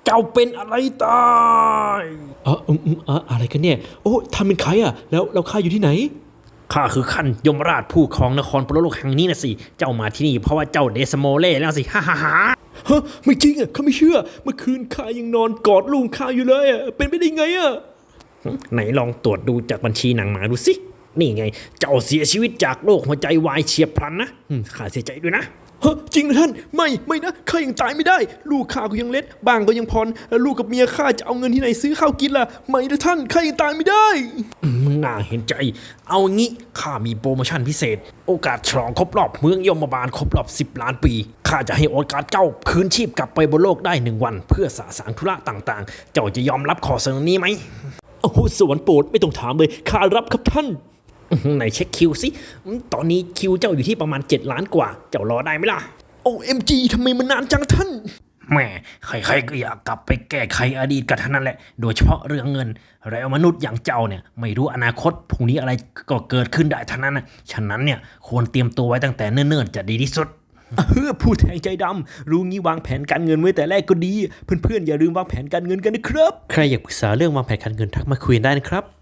เจ้าเป็นอะไรตายอะไรกันเนี่ยโอ้ทำเป็นใครอ่ะแล้วข้าอยู่ที่ไหนข้าคือขันยมราชผู้ครองนครปรโลกแห่งนี้นะสิเจ้ามาที่นี่เพราะว่าเจ้าเดสโมเล่แล้วสิฮ่าฮ่าฮ่าฮะไม่จริงอ่ะข้าไม่เชื่อเมื่อคืนข้ายังนอนกอดลูกข้าอยู่เลยอ่ะเป็นไปได้ไงอ่ะไหนลองตรวจดูจากบัญชีหนังหมาดูสินี่ไงเจ้าเสียชีวิตจากโรคหัวใจวายเฉียบพลันนะข้าเสียใจด้วยนะฮะจริงนะท่านไม่นะข้ายังตายไม่ได้ลูกข้าก็ยังเล็กบ้างก็ยังพรแล้วลูกกับเมียข้าจะเอาเงินที่ไหนซื้อข้าวกินล่ะไม่นะท่านข้ายังตายไม่ได้น่าเห็นใจเอางี้ข้ามีโปรโมชั่นพิเศษโอกาสฉลองครบรอบเมืองยมบาลครบรอบ10 ล้านปีข้าจะให้โอกาสเจ้าคืนชีพกลับไปบนโลกได้1 วันเพื่อสะสางธุระต่างๆเจ้าจะยอมรับข้อเสนอนี้ไหมโอ้โหสวรรค์โปรดไม่ต้องถามเลยข้ารับครับท่านไหนเช็คคิวสิตอนนี้คิวเจ้าอยู่ที่ประมาณ7 ล้านกว่าเจ้ารอได้ไหมล่ะ OMG ทำไมมันนานจังท่านแม่ใครๆก็อยากกลับไปแก้ไขอดีตกันทั้งนั้นแหละโดยเฉพาะเรื่องเงินแล้วมนุษย์อย่างเจ้าเนี่ยไม่รู้อนาคตพรุ่งนี้อะไรก็เกิดขึ้นได้ทั้งนั้นนะฉะนั้นเนี่ยควรเตรียมตัวไว้ตั้งแต่เนิ่นๆจะดีที่สุดพูดแทงใจดำรู้งี้วางแผนการเงินไว้แต่แรกก็ดีเพื่อนๆอย่าลืมวางแผนการเงินกันนะครับใครอยากปรึกษาเรื่องวางแผนการเงินทักมาคุยได้นะครับ